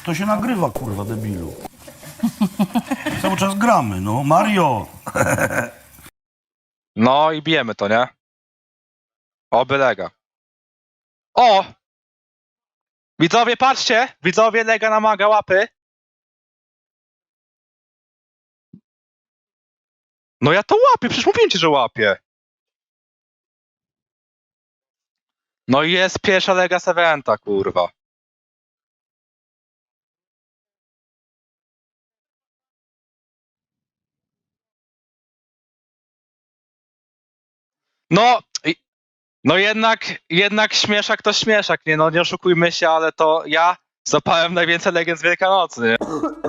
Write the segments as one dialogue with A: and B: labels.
A: to się nagrywa, kurwa, debilu. Cały czas gramy, no. Mario!
B: No i bijemy to, nie? Oby Lega. O! Widzowie, patrzcie! Widzowie, Lega namaga łapy. No ja to łapię, przecież mówiłem ci, że łapię. No i jest pierwsza Lega z eventa, kurwa. No, no jednak śmieszak to śmieszak, nie? No nie oszukujmy się, ale to ja zapałem najwięcej legend z Wielkanocy, nie?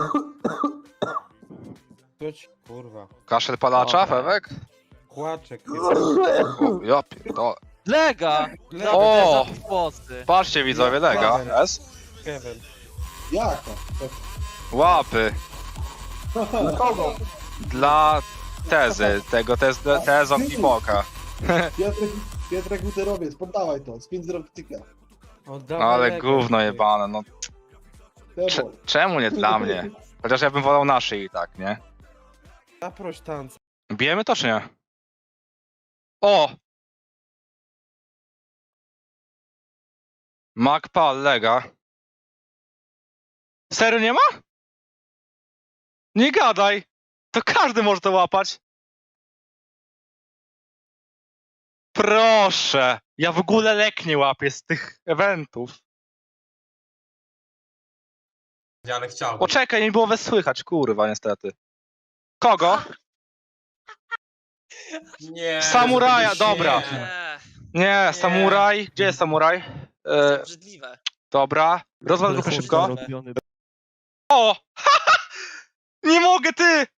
C: Kurwa.
B: Kaszel palacza,
D: Dobra.
B: Fewek?
C: Kłaczek.
B: O, ja pierdolę.
D: Lega!
B: O!
D: Za włosy.
B: Patrzcie widzowie, Lega, jest?
C: Kevin.
E: Jaka?
B: Łapy.
E: Dla kogo?
B: Dla tezy, tego tezo Pipoka.
E: Pietrek Uterowiec, poddawaj to, spin zrobityka.
B: No ale gówno jebane, no czemu nie dla mnie? Chociaż ja bym wolał naszy i tak, nie?
C: Zaproś tanca.
B: Bijemy to czy nie? O! Macpal, Lega. Serio nie ma? Nie gadaj! To każdy może to łapać. Proszę! Ja w ogóle lek nie łapię z tych eventów.
F: Ale chciałbym.
B: Poczekaj, nie było was słychać, kurwa, niestety. Kogo?
F: Nie.
B: Samuraja,
F: żeby nie.
B: dobra. Nie, samuraj. Gdzie jest samuraj?
D: Obrzydliwe.
B: Dobra. Rozwal grupę szybko. O! Nie mogę, ty!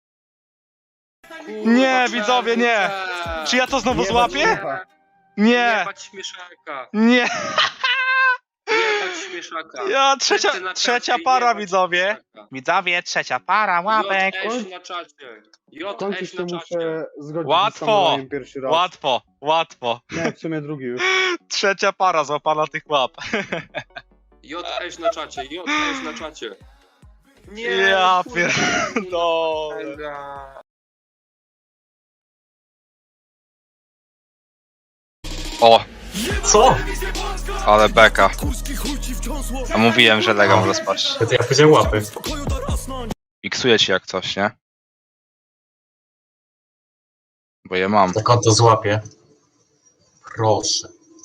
B: Nie, widzowie, nie. Czy ja to znowu złapię? Nie,
G: Jebać śmieszaka.
B: nie.
G: Jebać śmieszaka.
B: Ja
G: Wszyscy na
B: trzecia
G: czacie,
B: para,
G: jebać
B: widzowie.
G: śmieszaka.
B: Widzowie, trzecia para, łapek.
G: JS na czacie. JS na czacie.
E: zgodzić
B: Łatwo,
E: pierwszy
B: łatwo, łatwo.
E: Nie, w sumie drugi już.
B: Trzecia para złapana tych łap.
G: JS na czacie. JS na czacie. Nie.
B: Ja
G: kurwa,
B: pierdolę.
G: Lega.
B: O,
F: Co?
B: ale beka. A mówiłem, że Lega może spaść.
F: To ja powiedziałem łapy.
B: Iksuję ci jak coś, nie? Bo je mam.
F: Tak on to złapie. Proszę.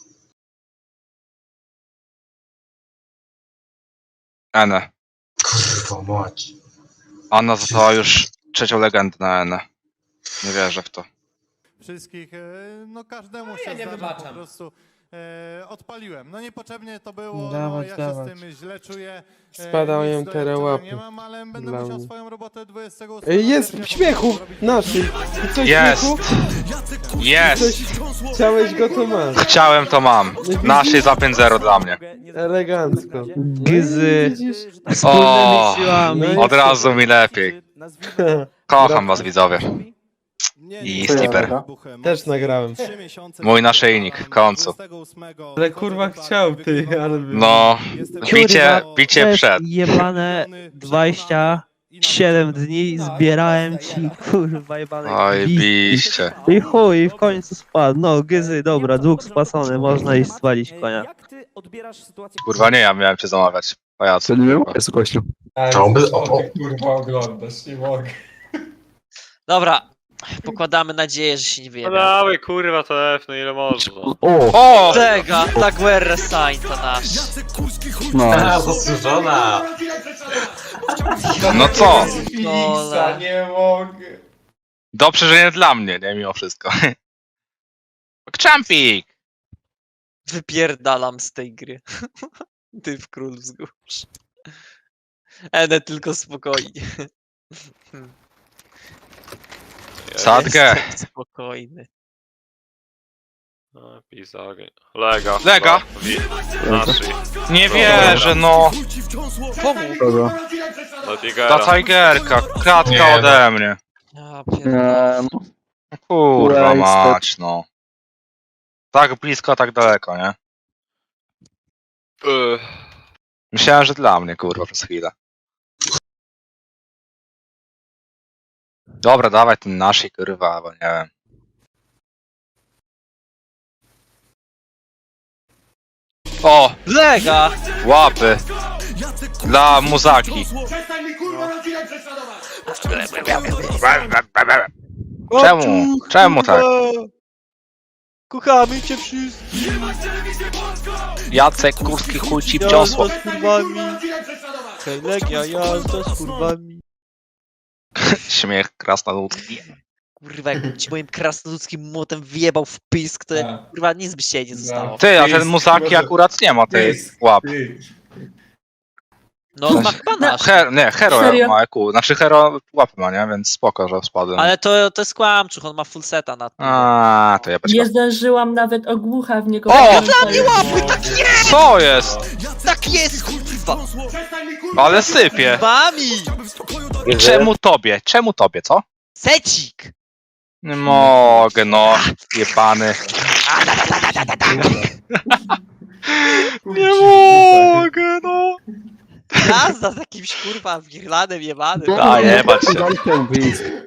B: Ene.
F: Kurwa mać.
B: Anna została już trzecią legendę na Enę. Nie wierzę w to.
H: Wszystkich, no każdemu się zdarza, po prostu odpaliłem. No niepotrzebnie to było, no,
C: Dawać,
H: ja
C: dawać.
H: się z tym źle czuję.
C: Spadają
H: nic do
C: te
H: jedzenia
C: łapy
H: nie mam, ale będę
C: dla
H: musiał
C: mnie.
H: swoją robotę 28.
C: Jest w śmiechu! Naszym! Coś
B: Jest!
C: śmiechu?
B: Jest!
C: Coś chciałeś go, to masz.
B: Chciałem, to mam. Naszej za 5-0 dla mnie.
C: Elegancko.
D: Gzy.
C: Widzisz?
B: O,
C: No i
B: od razu mi lepiej. Kocham was, widzowie.
H: Nie,
B: I
H: nie,
B: Slipper.
H: wybuchem.
C: Też nagrałem.
H: 3 miesiące
B: Mój naszyjnik, w końcu.
H: 28
C: Ale kurwa chciał, ty, ale...
B: No, bicie przed.
D: Jebane 27 dni zbierałem ci, kurwa, jebane
B: Oj,
D: gwizdki.
B: biście.
D: I chuj, i w końcu spadł. No, Gyzy, dobra, dług spłacony, można iść spalić konia.
B: Kurwa nie, ja miałem cię zamawiać. Pajacu.
I: Jest gościu.
F: To by... O.
J: Kurwa oglądasz, nie mogę.
K: Dobra, pokładamy nadzieję, że się nie wyjebie.
G: Dawaj kurwa to F, no ile można.
B: O!
K: Tego, ta Guerra Sign to nasz.
I: No.
F: A, zasłużona.
B: No co?
J: Fixa, nie mogę.
B: Dobrze, że nie dla mnie, nie? Mimo wszystko. Champik!
K: Wypierdalam z tej gry. Ty w król wzgórz. Ene, tylko spokojnie.
B: Sadgę.
K: Jestem spokojny.
G: Lega.
B: Lega. Nie wierzę, no.
K: Pomóż.
I: Kogo?
B: Ta Tigerka, kratka
F: Nie, no.
B: ode mnie.
K: Ja pierdolę.
B: Kurwa
I: Wasted.
B: mać, no. Tak blisko, tak daleko, nie? Myślałem, że dla mnie, kurwa, przez chwilę. Dobra, dawaj ten naszej, kurwa, bo nie wiem. O!
K: Lega!
B: Łapy! Dla muzaki. Czemu? Czemu tak?
D: Kochamy cię wszyscy.
B: Jacek Kurski chuj ci wciosło.
D: Jazda z kurwami. Hej, Legia, jazda z kurwami.
B: Śmiech krasnoludki.
K: Kurwa, jakbym ci moim krasnoludzkim młotem wjebał w pisk, to
J: Tak.
K: kurwa nic by się nie zostało.
B: Ty, a ten muzaki akurat nie ma tej łap.
K: No on ma chyba nasz.
B: Nie, Hero ma EQ. Znaczy Hero łapy ma, nie? Więc spoko, że spadłem.
K: Ale to jest kłamczuch, on ma full seta na tym.
B: A, to ja bez
L: Nie zdążyłam nawet ogłucha w niego.
B: O!
K: Dla mnie łapy, tak jest!
B: Co jest?
K: Tak jest, kurwa!
B: Ale sypie.
K: Mami!
B: I czemu tobie? Czemu tobie, co?
K: Secik!
B: Nie mogę, no. Jebany. Nie mogę, no.
K: Jazda z jakimś kurwa wirlanem jebanym.
B: A jebać się.
I: Daj ten wyjść.